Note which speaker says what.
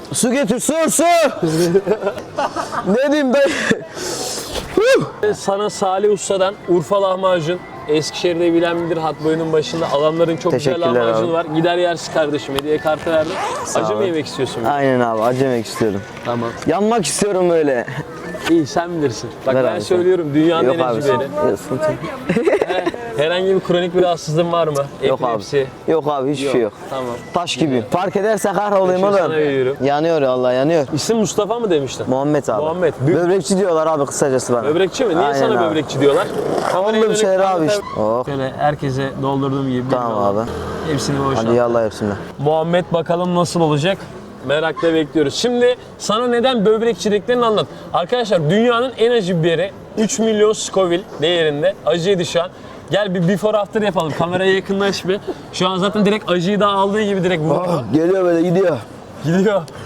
Speaker 1: Su getir, su! Ne diyeyim dayı?
Speaker 2: Sana Salih Usta'dan Urfa lahmacun, Eskişehir'de bilen bilir, hat boyunun başında adamların çok güzel
Speaker 1: Teşekkürler
Speaker 2: lahmacunu
Speaker 1: abi.
Speaker 2: var. Gider yersin kardeşim, hediye kartı verdim. Acı mı
Speaker 1: ol.
Speaker 2: yemek istiyorsun?
Speaker 1: Aynen abi, acı yemek istiyorum.
Speaker 2: Tamam.
Speaker 1: Yanmak istiyorum böyle.
Speaker 2: İyi, sen bilirsin. Bak
Speaker 1: Ver
Speaker 2: ben
Speaker 1: abi,
Speaker 2: söylüyorum, dünyanın
Speaker 1: Yok
Speaker 2: en
Speaker 1: abi,
Speaker 2: acı biri.
Speaker 1: sıkıntı yok.
Speaker 2: Herhangi bir kronik bir rahatsızlığın var mı?
Speaker 1: Yok abi.
Speaker 2: Epilepsi.
Speaker 1: Yok abi, hiçbir şey yok.
Speaker 2: Tamam.
Speaker 1: Taş gibi. Fark ederse kahrolayım
Speaker 2: Şimdi
Speaker 1: oğlum.
Speaker 2: sana veriyorum.
Speaker 1: Yanıyor Allah, yanıyor.
Speaker 2: İsim Mustafa mı demiştin?
Speaker 1: Muhammed abi.
Speaker 2: Muhammed.
Speaker 1: Böbrekçi diyorlar abi kısacası bana.
Speaker 2: Böbrekçi mi? Niye
Speaker 1: Aynen
Speaker 2: sana
Speaker 1: abi.
Speaker 2: böbrekçi diyorlar?
Speaker 1: Onunla bir şeyler abi işte. Oh.
Speaker 2: Şöyle herkese doldurduğum gibi.
Speaker 1: Tamam
Speaker 2: bilmiyorum.
Speaker 1: abi.
Speaker 2: Hepsini boşalt.
Speaker 1: Hadi yallah hepsine.
Speaker 2: Muhammed bakalım nasıl olacak? Merakla bekliyoruz. Şimdi sana neden böbrekçi dediklerini anlat. Arkadaşlar dünyanın en acı biberi 3 milyon Scoville değerinde. Acıydı şu an. Gel bir before after yapalım. Kameraya yakınlaş bir. Şu an zaten direkt acıyı da aldığı gibi direkt vurdu.
Speaker 1: Geliyor böyle gidiyor.
Speaker 2: Gidiyor.